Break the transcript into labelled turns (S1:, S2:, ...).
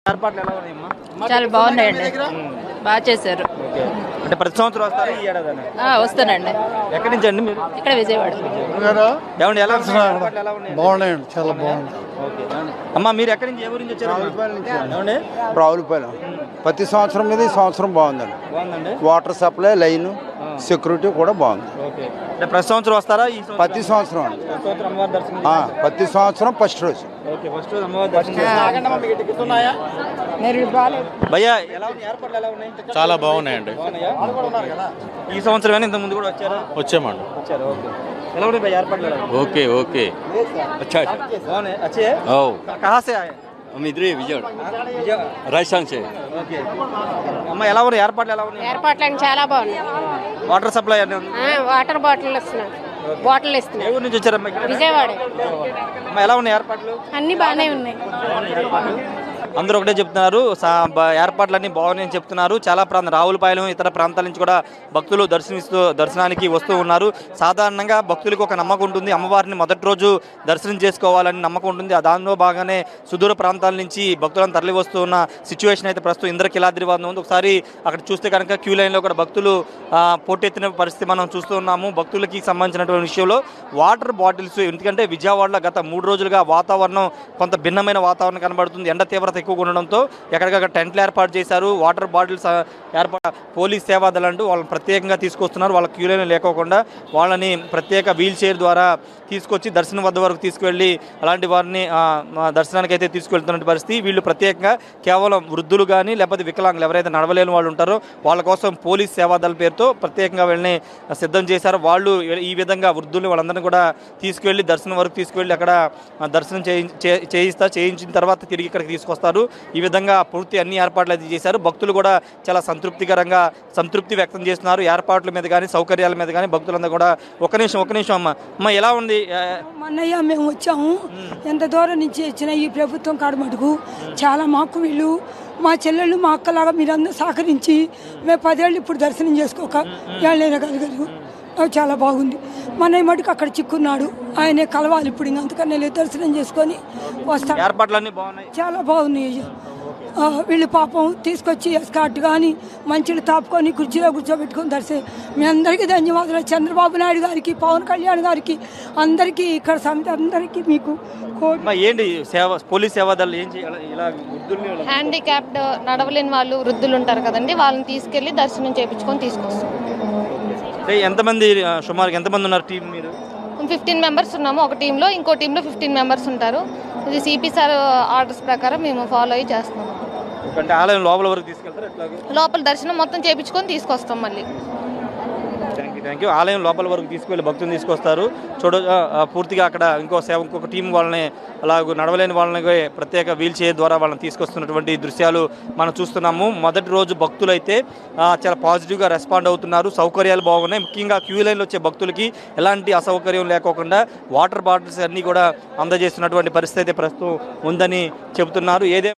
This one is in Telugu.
S1: ఏర్పాట్లు ఎలా ఉన్నాయమ్మా?
S2: చాలా బాగున్నాయండి, బాగా చేశారు.
S1: అంటే ప్రతి సంవత్సరం వస్తారా ఈ ఏడాది?
S2: వస్తానండి.
S1: ఎక్కడి నుంచి అండి మీరు?
S2: ఇక్కడ విజయవాడ.
S1: ఏమండి ఎలా ఉన్నాయి?
S3: బాగున్నాయండి, చాలా బాగుంది.
S1: అమ్మా మీరు ఎక్కడి నుంచి, ఏ ఊరి నుంచి వచ్చారు? ఏమండి
S3: రావులపాలెం. ప్రతి సంవత్సరం మీద ఈ సంవత్సరం బాగుందండి.
S1: బాగుందండి.
S3: వాటర్ సప్లై, లైన్, సెక్యూరిటీ కూడా బాగుంది.
S1: ఓకే. అంటే ప్రతి సంవత్సరం వస్తారా? ఈ
S3: ప్రతి సంవత్సరం అండి.
S1: ప్రతి సంవత్సరం అమ్మవారి దర్శనం.
S3: ప్రతి సంవత్సరం ఫస్ట్ రోజు.
S1: ఓకే, ఫస్ట్ రోజు అమ్మవారి దర్శనం. భయ్యా ఎలా ఉన్నాయి ఏర్పాట్లు, ఎలా ఉన్నాయి?
S4: చాలా బాగున్నాయండి.
S1: ఈ సంవత్సరం ఇంత ముందు కూడా వచ్చారా?
S4: వచ్చామండి.
S1: వచ్చారు. ఓకే. ఎలా ఉన్నాయి భయ్యా ఏర్పాట్లు?
S4: Okay okay.
S1: బాగున్నాయి. अच्छे
S4: ओ
S1: कहाँ से आए?
S4: हम इधर ही विजय राजस्थान से.
S1: ఓకే. అమ్మ ఎలా ఉన్నాయి ఏర్పాట్లు, ఎలా ఉన్నాయి?
S5: ఏర్పాట్లు చాలా బాగున్నాయి.
S1: వాటర్ సప్లై అన్నీ ఉంది.
S5: వాటర్ బాటిల్ ఇస్తున్నారు, బాటిల్
S1: ఏ
S5: ఇస్తున్నారు.
S1: ఊరు నుంచి వచ్చారమ్మా? ఇక్కడ
S5: విజయవాడ.
S1: అమ్మ ఎలా ఉన్నాయి ఏర్పాట్లు?
S5: అన్ని బాగానే ఉన్నాయి.
S1: అందరూ ఒకటే చెప్తున్నారు, ఏర్పాట్లన్నీ బాగున్నాయని చెప్తున్నారు. చాలా రావులపాలెం ఇతర ప్రాంతాల నుంచి కూడా భక్తులు దర్శనానికి వస్తూ ఉన్నారు. సాధారణంగా భక్తులకు ఒక నమ్మకం ఉంటుంది, అమ్మవారిని మొదటి రోజు దర్శనం చేసుకోవాలని నమ్మకం ఉంటుంది. దానిలో భాగంగానే సుదూర ప్రాంతాల నుంచి భక్తులను తరలి వస్తూ ఉన్న సిచ్యువేషన్ అయితే ప్రస్తుతం ఇంద్రకీలాద్రి వద్ద ఉంది. ఒకసారి అక్కడ చూస్తే కనుక క్యూ లైన్లో కూడా భక్తులు పోటెత్తిన పరిస్థితి మనం చూస్తూ ఉన్నాము. భక్తులకి సంబంధించినటువంటి విషయంలో వాటర్ బాటిల్స్, ఎందుకంటే విజయవాడలో గత 3 రోజులుగా వాతావరణం కొంత భిన్నమైన వాతావరణం కనబడుతుంది. ఎండ తీవ్రత ఎక్కువగా ఉండడంతో ఎక్కడికక్కడ టెంట్లు ఏర్పాటు చేశారు. వాటర్ బాటిల్స్ పోలీస్ సేవాదళం అంటూ వాళ్ళని ప్రత్యేకంగా తీసుకొస్తున్నారు. వాళ్ళ క్యూలైన్ లేకోకుండా వాళ్ళని ప్రత్యేక వీల్ చైర్ ద్వారా తీసుకొచ్చి దర్శనం వద్ద వరకు తీసుకువెళ్ళి అలాంటి వారిని దర్శనానికి అయితే తీసుకువెళ్తున్న పరిస్థితి. వీళ్ళు ప్రత్యేకంగా కేవలం వృద్ధులు కానీ లేకపోతే వికలాంగులు ఎవరైతే నడవలేని వాళ్ళు ఉంటారో వాళ్ళ కోసం పోలీస్ సేవాదళ పేరుతో ప్రత్యేకంగా వీళ్ళని సిద్ధం చేశారు. వాళ్ళు ఈ విధంగా వృద్ధుల్ని వాళ్ళందరినీ కూడా తీసుకువెళ్ళి దర్శనం వరకు తీసుకువెళ్ళి అక్కడ దర్శనం చేయించిన తర్వాత తిరిగి ఇక్కడికి తీసుకొస్తారు. ఈ విధంగా పూర్తి అన్ని ఏర్పాట్లు అయితే చేశారు. భక్తులు కూడా చాలా సంతృప్తి వ్యక్తం చేస్తున్నారు ఏర్పాట్ల మీద కానీ సౌకర్యాల మీద కానీ. భక్తులందరూ కూడా ఒక నిమిషం అమ్మ ఎలా ఉంది?
S6: అన్నయ్య మేము వచ్చాము, ఎంత దూరం నుంచి వచ్చిన ఈ ప్రభుత్వం కాడమటుకు చాలా మాకు వీళ్ళు మా చెల్లెళ్ళు మా అక్కలాగా మీరందరూ సహకరించి మేము 10 ఏళ్ళు ఇప్పుడు దర్శనం చేసుకోక ఏళ్ళైనా కలగదు. చాలా బాగుంది. మన మటుకు అక్కడ చిక్కున్నాడు, ఆయనే కలవాలి ఇప్పుడు. ఇంకా అంతకన్నా వెళ్ళి దర్శనం చేసుకొని వస్తాం.
S1: ఏర్పాట్లన్నీ బాగున్నాయి,
S6: చాలా బాగున్నాయి. వీళ్ళు పాపం తీసుకొచ్చి ఎస్కాట్ కానీ మంచిలు తాపుకొని కుర్చీలో కూర్చోబెట్టుకొని దర్శనం. మీ అందరికీ ధన్యవాదాలు. చంద్రబాబు నాయుడు గారికి, పవన్ కళ్యాణ్ గారికి, అందరికీ ఇక్కడ సమితి అందరికీ మీకు
S1: ఏంటి పోలీస్ సేవాదళాలు ఏం చేయాలి?
S5: హ్యాండిక్యాప్డ్ నడవలేని వాళ్ళు, వృద్ధులు ఉంటారు కదండి, వాళ్ళని తీసుకెళ్లి దర్శనం చేయించుకొని తీసుకొస్తాం.
S1: ఎంతమంది సుమారు ఎంతమంది ఉన్నారు టీం? మీరు
S5: 15 మెంబర్స్ ఉన్నాము ఒక టీంలో, ఇంకో టీంలో 15 మెంబర్స్ ఉంటారు. ఇది సిపి సార్ ఆర్డర్స్ ప్రకారం మేము ఫాలో అయ్యి చేస్తున్నాం.
S1: అంటే ఆలయం లోపల వరకు తీసుకెళ్తారు,
S5: లోపల దర్శనం మొత్తం చేయించుకొని తీసుకొస్తాం మళ్ళీ.
S1: Thank you. ఆలయం లోపల వరకు తీసుకువెళ్ళి భక్తులు తీసుకొస్తారు. పూర్తిగా అక్కడ ఇంకొక టీం వాళ్ళని అలాగ నడవలేని వాళ్ళని ప్రత్యేక వీల్ చైర్ ద్వారా వాళ్ళని తీసుకొస్తున్నటువంటి దృశ్యాలు మనం చూస్తున్నాము. మొదటి రోజు భక్తులు అయితే చాలా పాజిటివ్గా రెస్పాండ్ అవుతున్నారు. సౌకర్యాలు బాగున్నాయి. ముఖ్యంగా క్యూ లైన్లో వచ్చే భక్తులకి ఎలాంటి అసౌకర్యం లేకోకుండా వాటర్ బాటిల్స్ అన్నీ కూడా అందజేస్తున్నటువంటి పరిస్థితి అయితే ప్రస్తుతం ఉందని చెబుతున్నారు.